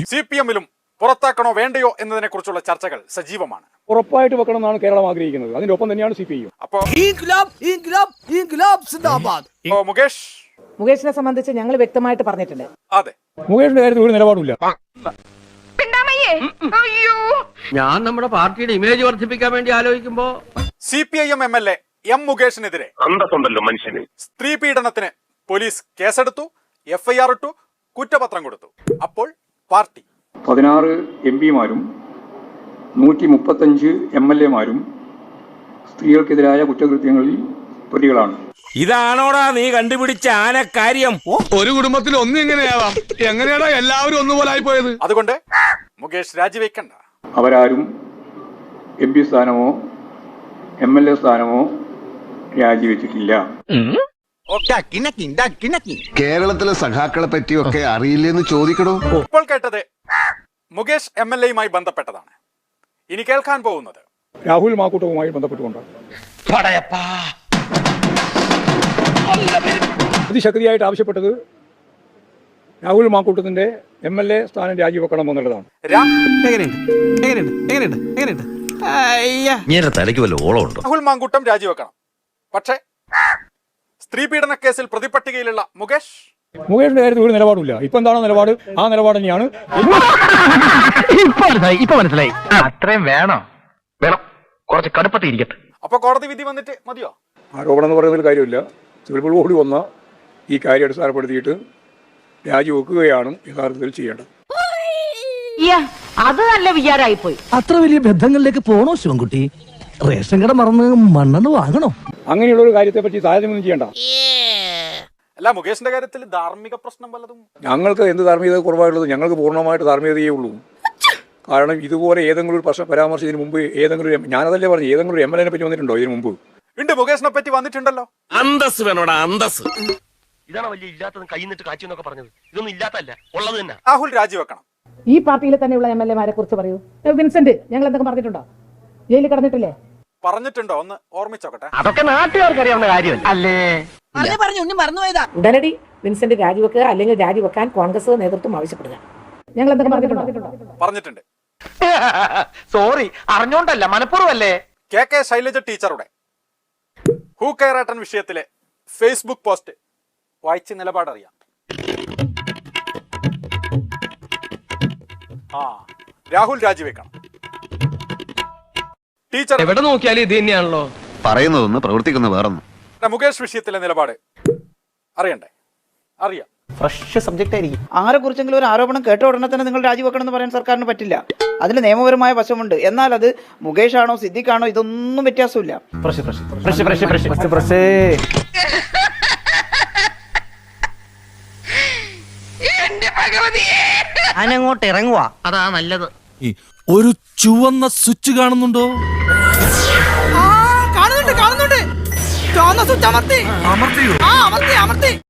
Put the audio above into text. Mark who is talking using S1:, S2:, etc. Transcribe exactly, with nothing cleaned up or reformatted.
S1: C P എമ്മിലും പുറത്താക്കണോ വേണ്ടയോ എന്നതിനെ കുറിച്ചുള്ള ചർച്ചകൾ സജീവമാണ്.
S2: ഉറപ്പായിട്ട് വെക്കണമെന്നാണ് കേരളം ആഗ്രഹിക്കുന്നത്. അതിന്റെ ഒപ്പം തന്നെയാണ് സി പി ഐ.
S1: അപ്പോ മുകേഷ്
S3: മുകേഷിനെ സംബന്ധിച്ച് ഞങ്ങൾ വ്യക്തമായിട്ട് പറഞ്ഞിട്ടുണ്ട്.
S1: അതെ,
S2: മുകേഷിന്റെ കാര്യത്തിൽ ഒരു നിലപാടില്ല.
S4: ഞാൻ നമ്മുടെ പാർട്ടിയുടെ ഇമേജ് വർദ്ധിപ്പിക്കാൻ വേണ്ടി ആലോചിക്കുമ്പോ
S1: C P I M M L A M മുകേഷിനെതിരെ സ്ത്രീ പീഡനത്തിന് പോലീസ് കേസെടുത്തു, എഫ് ഐ ആർ ഇട്ടു, കുറ്റപത്രം കൊടുത്തു. അപ്പോൾ പാർട്ടി
S2: പതിനാറ് എം പിമാരും നൂറ്റി മുപ്പത്തഞ്ച് എം എൽ എമാരും സ്ത്രീകൾക്കെതിരായ കുറ്റകൃത്യങ്ങളിൽ പ്രതികളാണ്.
S5: ഇതാണോടാ നീ കണ്ടുപിടിച്ച ആനക്കാര്യം?
S6: ഒരു കുടുംബത്തിൽ ഒന്നും എങ്ങനെയാവാം? എങ്ങനെയാടാ എല്ലാവരും ഒന്നുപോലായി പോയത്?
S1: അതുകൊണ്ട് മുകേഷ് രാജിവെക്കണ്ട.
S2: അവരാരും എം പി സ്ഥാനമോ എം എൽ എ സ്ഥാനമോ രാജിവെച്ചിട്ടില്ല.
S7: കേരളത്തിലെ സഖാക്കളെ പറ്റിയൊക്കെ അറിയില്ലെന്ന് ചോദിക്കണോ?
S1: ഇപ്പോൾ കേട്ടത് മുകേഷ് എം എൽ എയുമായി ബന്ധപ്പെട്ടതാണ്. ഇനി കേൾക്കാൻ പോകുന്നത്
S2: രാഹുൽ മാക്കൂട്ടവുമായി ബന്ധപ്പെട്ടുകൊണ്ടാണ്. അതിശക്തിയായിട്ട് ആവശ്യപ്പെട്ടത് രാഹുൽ മാക്കൂട്ടത്തിന്റെ എം എൽ എ സ്ഥാനം രാജിവെക്കണം എന്നുള്ളതാണ്.
S1: രാഹുൽ മാങ്കൂട്ടം രാജിവെക്കണം. പക്ഷേ സ്ത്രീ പീഡന കേസിൽ പ്രതിപട്ടികയിലുള്ള മുകേഷ്
S2: മുകേഷിന്റെ കാര്യത്തിൽ ഒരു നിലപാടില്ല. ഇപ്പൊ എന്താണോ നിലപാട്, ആ നിലപാട് തന്നെയാണ്.
S4: ഇപ്പൊ മനസ്സിലായി. അത്രയും വേണോ? വേണം, കുറച്ച് കടുപ്പത്തിരിക്കട്ടെ.
S1: അപ്പൊ കോടതി വിധി വന്നിട്ട് മതിയോ?
S2: ആരോപണം എന്ന് പറയുന്നതിൽ കാര്യമില്ല. സിവിൽ കൂടി വന്ന ഈ കാര്യം അടിസ്ഥാനപ്പെടുത്തിയിട്ട് രാജിവെക്കുകയാണ് യഥാർത്ഥത്തിൽ ചെയ്യേണ്ടത്.
S3: അത് നല്ല വിചാരമായിപ്പോയി.
S8: അത്ര വലിയ ബന്ധങ്ങളിലേക്ക് പോണോ ശിവൻകുട്ടി? റേഷൻ കട മറന്ന് മണ്ണെണ്ണ വാങ്ങണോ?
S2: അങ്ങനെയുള്ള ഒരു കാര്യത്തെ പറ്റി താരതമ്യം ചെയ്യണ്ട.
S1: അല്ല, മുകേഷിന്റെ കാര്യത്തിൽ ധാർമ്മിക പ്രശ്നം വല്ലതും?
S2: ഞങ്ങൾക്ക് എന്ത് ധാർമ്മികത കുറവായിട്ടുള്ളത്? ഞങ്ങൾക്ക് പൂർണ്ണമായിട്ട് ധാർമ്മികതയേ ഉള്ളൂ. കാരണം ഇതുപോലെ ഏതെങ്കിലും ഒരു പ്രശ്നം പരാമർശിച്ചതിന് മുമ്പ് ഏതെങ്കിലും, ഞാനതല്ലേ പറഞ്ഞു, ഏതെങ്കിലും ഒരു എം എൽ എനെ പറ്റി വന്നിട്ടുണ്ടോ ഇതിന് മുമ്പ്?
S1: ഉണ്ട്, മുകേഷിനെ പറ്റി വന്നിട്ടുണ്ടല്ലോ.
S5: അന്തസ് വേണോടാ, അന്തസ്.
S4: ഇതാണ് വലിയ ഇല്ലാത്തതും കൈന്നിട്ട് കാച്ചു എന്നൊക്കെ പറഞ്ഞത്. ഇതൊന്നും ഇല്ലാത്തല്ല, ഉള്ളത് തന്നെ.
S1: രാഹുൽ രാജിവെക്കണം.
S3: ഈ പാർട്ടിയിൽ തന്നെയുള്ള എം എൽ എമാരെ കുറിച്ച് പറയൂ. വിൻസെന്റ് ഞങ്ങൾ എന്തൊക്കെ പറഞ്ഞിട്ടുണ്ടോ? ജയിലിൽ കിടന്നിട്ടില്ലേ?
S1: പറഞ്ഞിട്ടുണ്ടോ? ഒന്ന് ഓർമ്മിച്ചോക്കട്ടെ.
S4: അതൊക്കെ നാട്ടുകാർക്ക് അറിയാവുന്ന കാര്യമല്ല അല്ലേ?
S3: ഉടനടി വിൻസെന്റ് രാജിവെക്കുക, അല്ലെങ്കിൽ രാജിവെക്കാൻ കോൺഗ്രസ് നേതൃത്വം ആവശ്യപ്പെടുക. ഞങ്ങൾ എന്തൊക്കെ പറഞ്ഞിട്ടുണ്ടോ?
S1: പറഞ്ഞിട്ടുണ്ട്.
S4: സോറി, അറിഞ്ഞോണ്ടല്ല, മനഃപൂർവ്വമല്ലേ.
S1: കെ കെ ശൈലജ ടീച്ചറുടെ ഹൂ കെയറേട്ടൻ വിഷയത്തിലെ ഫേസ്ബുക്ക് പോസ്റ്റ് വായിച്ച് നിലപാടറിയാം. ആ രാഹുൽ രാജിവെക്കണം. ടീച്ചർ
S4: എവിടെ നോക്കിയാലും ഇത് തന്നെയാണല്ലോ
S7: പറയുന്നതൊന്ന് പ്രവർത്തിക്കുന്ന വേറൊന്നും.
S1: മുകേഷ് വിഷയത്തിലെ നിലപാട് അറിയണ്ടേ? അറിയാം.
S9: ഫ്രഷ് സബ്ജക്റ്റ് ആയിരിക്കും. ആരെ കുറിച്ചെങ്കിലും ഒരു ആരോപണം കേട്ട ഉടനെ തന്നെ നിങ്ങൾ രാജിവെക്കണം എന്ന് പറയാൻ സർക്കാരിന് പറ്റില്ല. അതിന് നിയമപരമായ വശമുണ്ട്. എന്നാൽ അത് മുകേഷ് ആണോ സിദ്ദിഖാണോ ഇതൊന്നും വ്യത്യാസമില്ല.
S8: ഞാനങ്ങോട്ട് ഇറങ്ങുവാ, അതാ നല്ലത്.
S5: ഒരു ചുവന്ന സ്വിച്ച് കാണുന്നുണ്ടോ?
S9: കാണുന്നുണ്ട് കാണുന്നുണ്ട്. ചുവന്ന സ്വിച്ച് അമർത്തി.
S5: അമർത്തിയോ?
S9: അമർത്തി അമർത്തി